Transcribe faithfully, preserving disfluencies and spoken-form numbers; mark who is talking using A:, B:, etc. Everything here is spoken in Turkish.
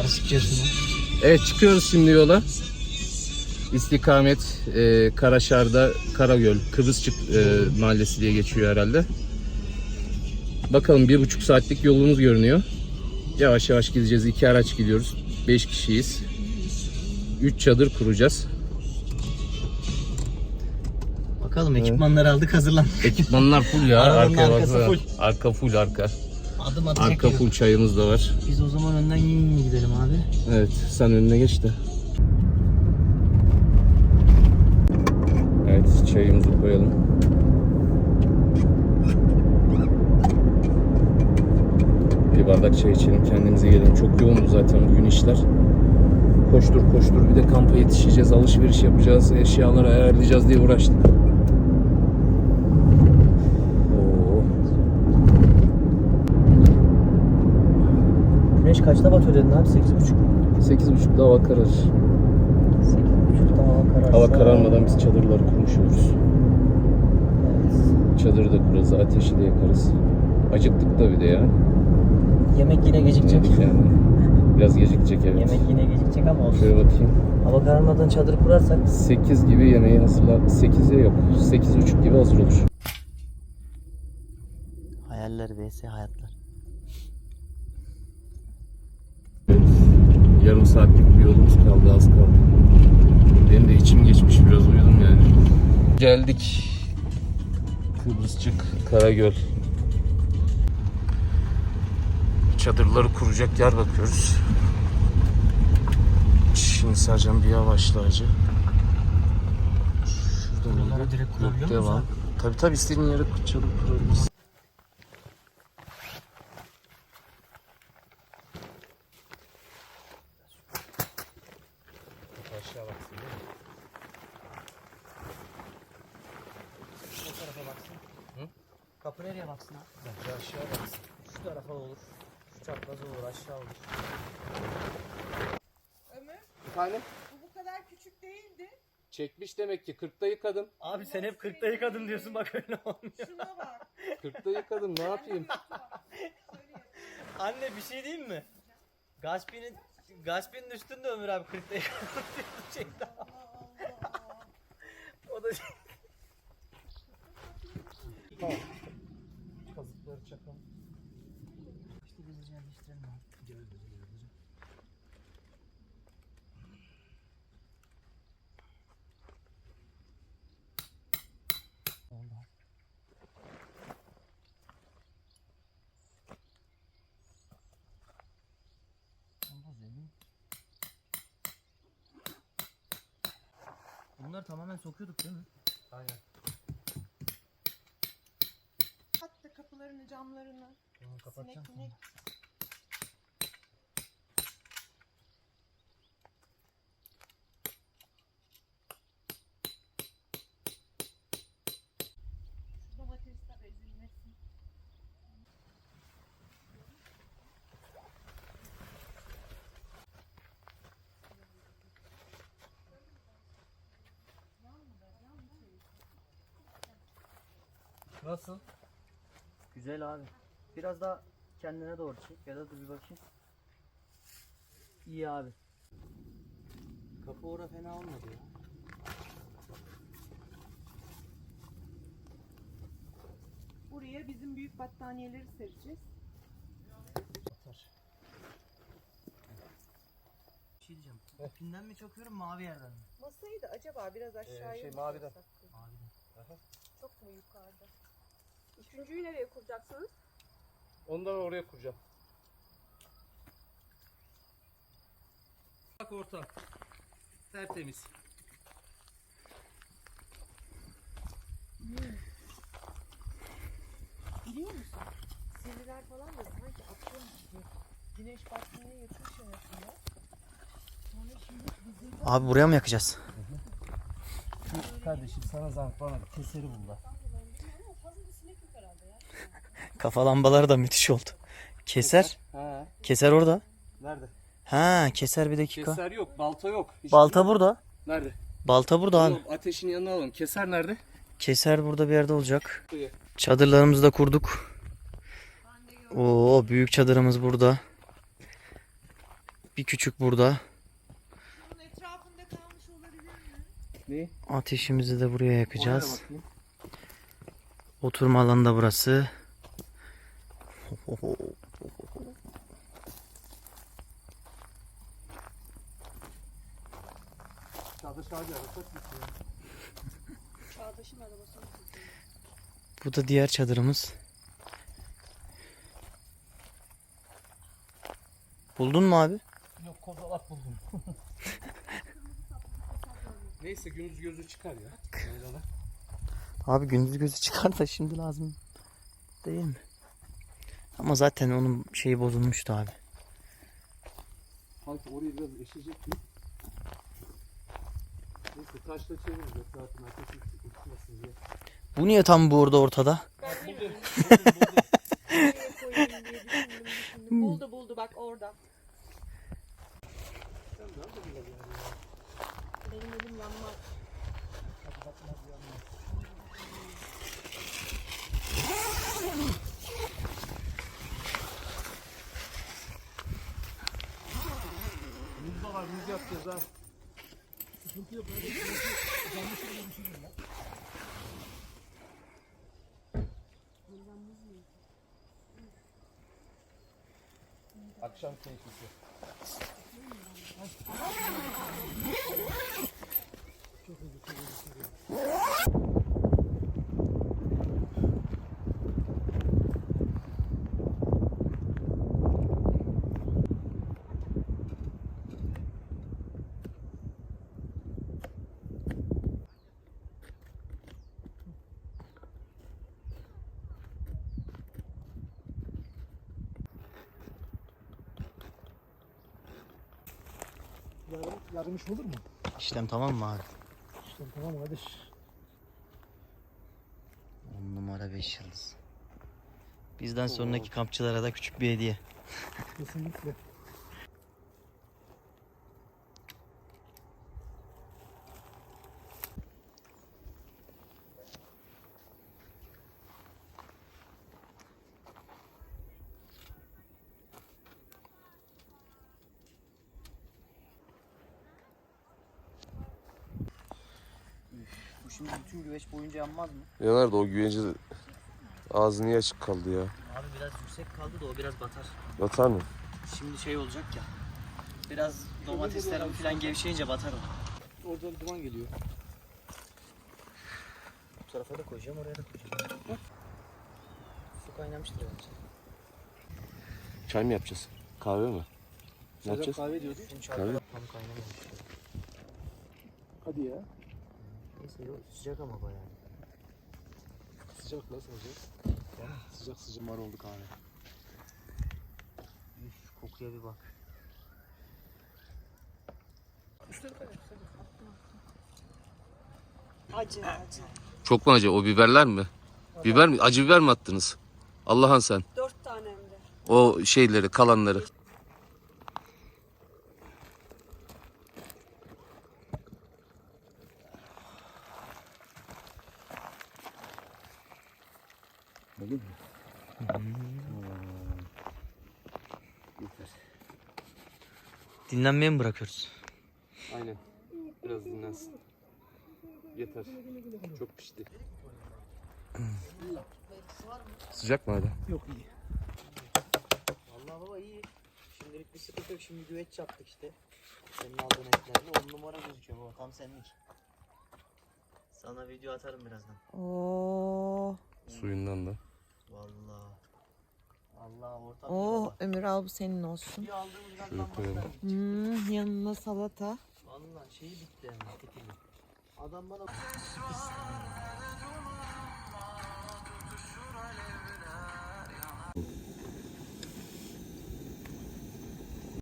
A: Nasıl çıkıyorsun lan?
B: Evet, çıkıyoruz şimdi yola. İstikamet e, Karaşar'da Karagöl, Kıbrısçık e, mahallesi diye geçiyor herhalde. Bakalım, bir buçuk saatlik yolumuz görünüyor. Yavaş yavaş gideceğiz. İki araç gidiyoruz. Beş kişiyiz. Üç çadır kuracağız.
A: Bakalım, ekipmanları aldık, hazırlandık.
B: Ekipmanlar full ya.
A: Arabanın
B: Arkaya
A: arkası
B: bak.
A: full.
B: Arka full arka.
A: Adım atacak
B: Arka
A: yok.
B: full, çayımız da var.
A: Biz o zaman önden yiyin gidelim abi.
B: Evet, sen önüne geç de. Evet, çayımızı koyalım. Bir bardak çay içelim, kendimize gelelim. Çok yoğundu zaten bugün işler. Koştur koştur, bir de kampa yetişeceğiz, alışveriş yapacağız, eşyaları ayarlayacağız diye uğraştık. Oo.
A: Güneş kaçta batıyor dedin abi? sekiz buçuk.
B: Sekiz buçukta hava kararır.
A: sekiz buçukta hava kararsa...
B: Hava kararmadan biz çadırları kurmuş oluruz.
A: Evet.
B: Çadırı da kurarız, ateşi de yakarız. Acıktık da bir de ya.
A: Yemek yine gecikecek.
B: Yedik yani. Biraz gecikecek, evet.
A: Yemek yine gecikecek ama olsun.
B: Şöyle bakayım.
A: Hava kararmadan çadır kurarsak...
B: sekiz gibi yemeği hazırla. sekize yok. sekiz buçuk gibi hazır olur.
A: Hayaller vs hayatlar.
B: Evet. Yarım saatlik bir yolumuz kaldı, az kaldı. Benim de içim geçmiş, biraz uyudum yani. Geldik. Kıbrısçık, Karagöl. Çadırları kuracak yer bakıyoruz. Şimdi Sercan bir yavaşla acı. Şurada
A: Buralara
B: mıydı?
A: direkt kurabiliyor
B: Yok,
A: muyuz
B: devam.
A: abi?
B: Tabii tabii, istediğin yere çadır kurabilirsin. Aşağı baksın değil mi?
A: Şu tarafa baksın.
B: Hı?
A: Kapı nereye baksın abi?
B: Bence aşağı baksın.
A: Şu tarafa olur. Şu çapraz olur, aşağı olur.
C: Ömür,
B: Efendim?
C: bu bu kadar küçük değildi.
B: Çekmiş demek ki. kırkta yıkadım.
A: Abi sen hep kırkta yıkadım diyorsun, bak öyle olmuyor.
C: Şuna bak.
B: kırkta yıkadım, ne yapayım?
A: Anne bir şey diyeyim mi? Gaspi'nin Gaspi'nin üstünde Ömür abi kırkta yıkadım diyordu şeyden. O da şey.
B: Tamam. Kazıkları çakalım.
A: İşte biz yerleştirelim abi. Gel gel gel. Oldu. Oldu zemin. Bunları tamamen sokuyorduk değil mi?
B: Aynen.
C: Hatta kapılarını, camlarını.
A: Bunu
C: Sinek
A: kapatacağım.
C: minek. Şu domatesler ezilmesin.
B: Nasıl?
A: Güzel abi. Biraz daha kendine doğru çek ya da dur bir bakayım. İyi abi. Kapı ora fena olmadı ya.
C: Buraya bizim büyük battaniyeleri sereceğiz.
A: Atar. Bir şey diyeceğim. İpinden mi çakıyorum, mavi yerden mi?
C: Masayı da acaba biraz aşağıya
B: şey,
C: mı
B: maviden.
C: koysak?
A: Maviden.
C: Çok mu yukarıda? Üçüncüyü nereye kuracaksınız?
B: Ondan oraya kuracağım. Bak orta. Tertemiz.
C: Biliyor musun? Sivriler falan da sanki akşam gibi güneş batmaya yakın şarasında. Sonra şimdi bizim
A: Abi buraya mı yakacağız?
B: Kardeşim sana zahmet, bana keseri bul da.
A: Kafa lambaları da müthiş oldu. Keser.
B: Ha.
A: Keser orada.
B: Nerede?
A: Ha, keser bir dakika.
B: Keser yok, balta yok. Hiç
A: Balta burada.
B: Nerede?
A: Balta burada abi.
B: Oğlum, ateşin yanına alalım. Keser nerede?
A: Keser burada bir yerde olacak.
B: Buraya.
A: Çadırlarımızı da kurduk. Oo, büyük çadırımız burada. bir küçük burada.
C: Bunun etrafında kalmış olabilir mi?
B: Ne?
A: Ateşimizi de buraya yakacağız.
B: Oraya bakayım.
A: Oturma alanı da burası.
C: Çağdaş'ın arabası.
A: Bu da diğer çadırımız. Buldun mu abi?
B: Yok, kozalak buldum. Neyse gündüz gözü çıkar ya. Yaylalar.
A: Abi gündüz gözü çıkar da şimdi lazım değil mi? Ama zaten onun şeyi bozulmuştu abi.
B: Sanki orayı biraz eşecek mi? Neyse taşla çeviririz. Zaten ateşin uçmasın diye.
A: Bu niye tam burada ortada?
C: Ben de koyayım diye düşündüm, düşündüm. Buldu buldu bak orada. Benim elim yanmaz.
B: Muz da var, muz yapacağız ha. Sıkıntı yok. Akşam keyfisi.
D: Yarım, yarım iş olur mu?
A: İşlem tamam mı abi?
D: İşte tamam kardeş.
A: on numara beş yıldız. Bizden sonraki kampçılara da küçük bir hediye.
D: Kesinlikle.
A: Bu şimdi bütün güveç boyunca yanmaz mı?
B: Yanar da o güvence ağzı niye açık kaldı ya?
A: Abi biraz yüksek kaldı da o biraz batar.
B: Batar mı?
A: Şimdi şey olacak ya. Biraz domateslerim falan gevşeyince batar o.
D: Oradan duman geliyor.
A: Bu tarafa da koyacağım, oraya da koyacağım. Su kaynamıştır bence.
B: Çay mı yapacağız? Kahve mi? Ne
D: Sadece
B: yapacağız?
D: kahve diyordu.
A: Şimdi
B: Tabii.
A: çarpıda tam kaynamamış.
D: Hadi ya.
A: Neyse yok, sıcak ama bayağı.
D: Sıcak lan sıcak. Sıcak sıcak mar oldu kahve.
A: Üf, kokuya bir bak.
C: Acı acı.
B: Çok mu acı? O biberler mi? Biber mi? Acı biber mi attınız? Allah'ın sen.
C: Dört tane hem de.
B: O şeyleri, kalanları. Öyle mi?
A: Dinlenmeye mi bırakıyoruz?
B: Aynen. Biraz dinlensin. Yeter. Çok pişti. Sıcak mı hala?
D: Yok iyi.
A: Vallahi baba iyi. Şimdilik bir sıkıntı yok. Şimdi güveç yaptık işte. Senin aldığın etlerle on numara gözüküyor baba. Tam senlik. Sana video atarım birazdan.
C: Oo.
B: Suyundan da.
A: Vallahi. Allah ortam.
C: Oh Ömür al bu senin olsun.
A: Bir aldığımız
B: Şöyle koyalım.
C: Hmm, yanına salata.
A: Vallahi şeyi bitti yani. Tekili. Adam bana